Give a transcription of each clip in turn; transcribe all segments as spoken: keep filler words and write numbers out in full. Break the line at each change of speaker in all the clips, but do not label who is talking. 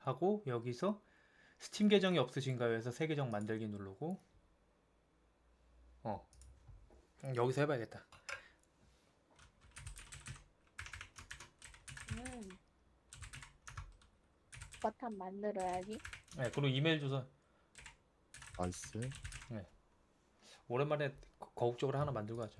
하고 여기서 스팀 계정이 없으신가요? 해서 새 계정 만들기 누르고 어 여기서 해봐야겠다.
음, 버튼 만들어야지.
네, 그리고 이메일 주소.
나이스.
네, 오랜만에 거- 거국적으로 하나 만들고 하죠.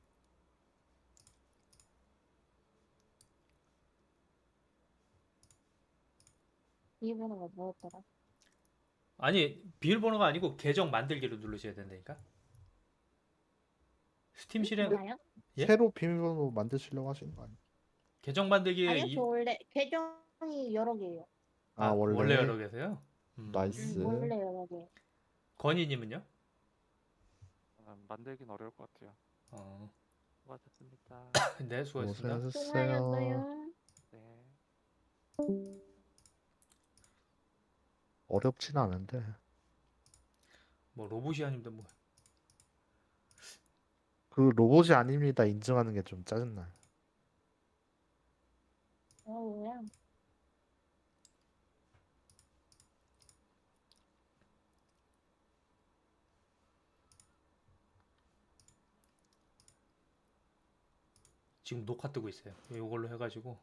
비밀번호가 뭐였더라?
아니 비밀번호가 아니고 계정 만들기를 누르셔야 된다니까. 스팀 실행
나요?
예?
새로 비밀번호 만드시려고 하시는 거 아니에요?
계정 만들기에
아니요, 저
이,
원래 계정이 여러 개예요.
아,
아 원래
원래.
여러 개세요?
음,
나이스.
음,
원래 여러 개.
건희님은요?
아, 만들긴 어려울 것 같아요.
어,
수고하셨습니다.
네 수고했습니다.
고생하셨어요.
수고하셨어요.
네.
어렵진 않은데.
뭐 로봇이 아닌데 뭐
그 로봇이 아닙니다. 인증하는 게 좀 짜증나요.
어, 뭐야?
지금 녹화 뜨고 있어요. 이걸로 해가지고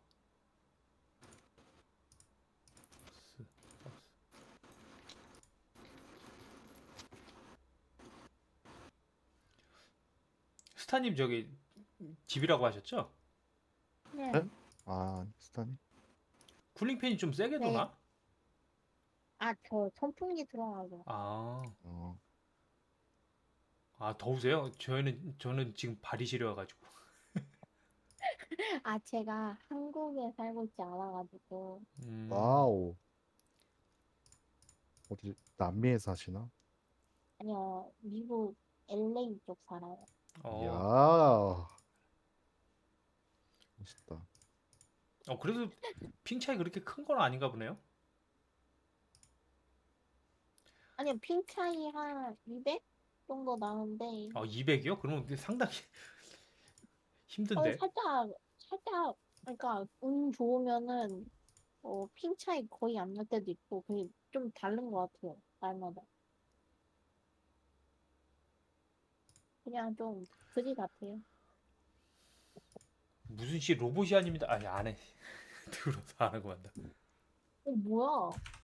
스타님 저기 집이라고 하셨죠?
네.
네? 아, 스타님?
쿨링팬이 좀 세게
네.
도나?
아, 저 선풍기 들어가고.
아,
어,
아 더우세요? 저희는 저는 지금 발이 시려가지고.
아, 제가 한국에 살고 있지 않아가지고.
음,
와우. 어디, 남미에 사시나?
아니요, 미국 엘에이 쪽 살아요.
어,
이야. 멋있다.
어 그래도 핑 차이 그렇게 큰 건 아닌가 보네요.
아니요, 핑 차이 한 이백 정도 나는데.
어 이백이요? 그러면 상당히
어,
힘든데.
살짝, 살짝, 그러니까 운 좋으면은, 어, 핑 차이 거의 안 날 때도 있고, 그게 좀 다른 것 같아요, 날마다. 그냥 좀 그지 같아요.
무슨 씨 로봇이 아닙니다. 아니 안 해. 들어서 안 하고 만다.
어, 뭐야?